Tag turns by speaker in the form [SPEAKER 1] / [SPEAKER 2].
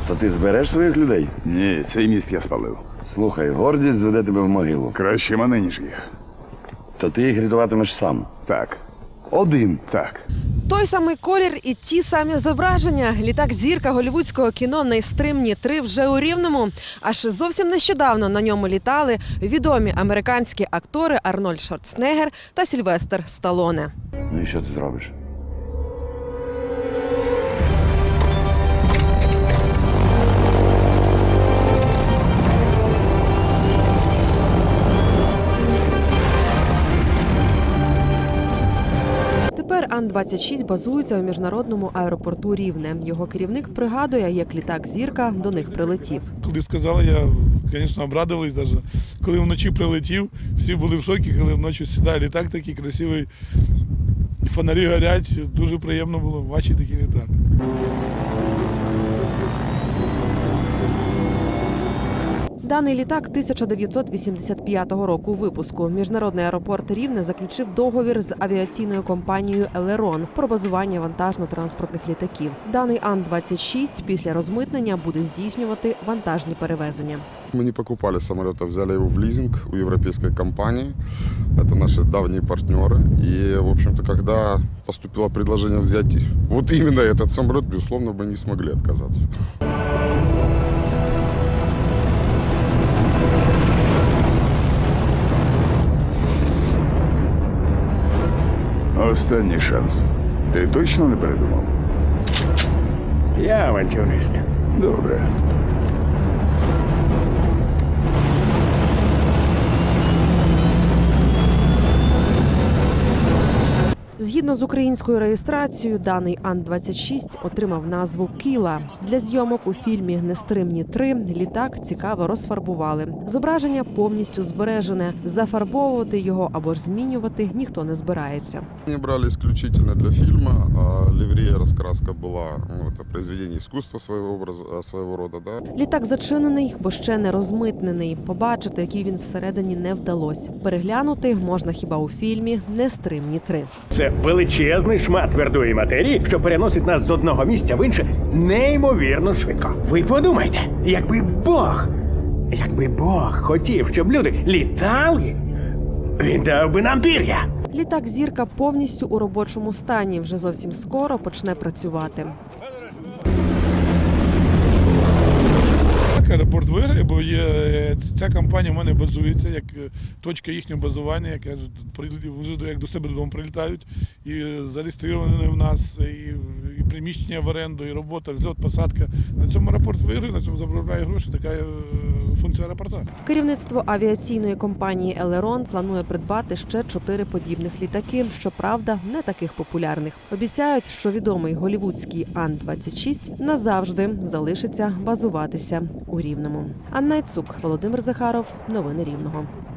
[SPEAKER 1] То ти збереш своїх людей?
[SPEAKER 2] Ні, цей міст я спалив.
[SPEAKER 1] Слухай, гордість зведе тебе в могилу.
[SPEAKER 2] Краще мене, ніж їх.
[SPEAKER 1] То ти їх рятуватимеш сам.
[SPEAKER 2] Так,
[SPEAKER 1] Один.
[SPEAKER 2] так.
[SPEAKER 3] Той самий колір і ті самі зображення. Літак-зірка голлівудського кіно «Нестримні 3» вже у Рівному. Аж зовсім нещодавно на ньому літали відомі американські актори Арнольд Шварценеггер та Сільвестр Сталлоне.
[SPEAKER 1] Ну і що ти зробиш?
[SPEAKER 3] Тепер Ан-26 базується у міжнародному аеропорту Рівне. Його керівник пригадує, як літак-зірка до них прилетів.
[SPEAKER 4] Коли сказали, я, звісно, обрадувались навіть. Коли вночі прилетів, всі були в шокі, коли вночі сідає літак такий красивий, і фонарі горять, дуже приємно було бачити такий літак.
[SPEAKER 3] Даний літак 1985 року випуску. Міжнародний аеропорт Рівне заключив договір з авіаційною компанією «Елерон» про базування вантажно-транспортних літаків. Даний Ан-26 після розмитнення буде здійснювати вантажні перевезення.
[SPEAKER 5] Мы не покупали самолет, а взяли его в лизинг у европейской компании. Это наши давние партнеры. И, в общем-то, когда поступило предложение взять вот именно этот самолет, безусловно, мы не смогли отказаться.
[SPEAKER 2] Останній шанс. Ти точно не передумав?
[SPEAKER 6] Я авантюрист.
[SPEAKER 2] Добре.
[SPEAKER 3] Згідно з українською реєстрацією, даний Ан-26 отримав назву «Кіла». Для зйомок у фільмі «Нестримні 3» літак цікаво розфарбували. Зображення повністю збережене. Зафарбовувати його або ж змінювати ніхто не збирається.
[SPEAKER 5] Они брали исключительно для фильма, а ливрея, раскраска была, это произведение искусства своего рода, да.
[SPEAKER 3] Літак зачинений, бо ще не розмитнений. Побачити, який він всередині, не вдалося. Переглянути можна хіба у фільмі «Нестримні 3».
[SPEAKER 6] Це величезний шмат твердої матерії, що переносить нас з одного місця в інше неймовірно швидко. Ви подумайте, якби Бог хотів, щоб люди літали, він дав би нам пір'я.
[SPEAKER 3] Літак-зірка повністю у робочому стані. Вже зовсім скоро почне працювати.
[SPEAKER 4] Аеропорт виграє, бо ця компанія в мене базується як точка їхнього базування, як вже як до себе додому прилітають, і зареєстровані в нас, і приміщення в оренду, і робота, взльот, посадка. На цьому аеропорт виграє, на цьому заробляє гроші, така функція аеропорта.
[SPEAKER 3] Керівництво авіаційної компанії «Елерон» планує придбати ще 4 подібних літаки, щоправда, не таких популярних. Обіцяють, що відомий голлівудський Ан-26 назавжди залишиться базуватися у Рівному. Анна Іцук, Володимир Захаров. Новини Рівного.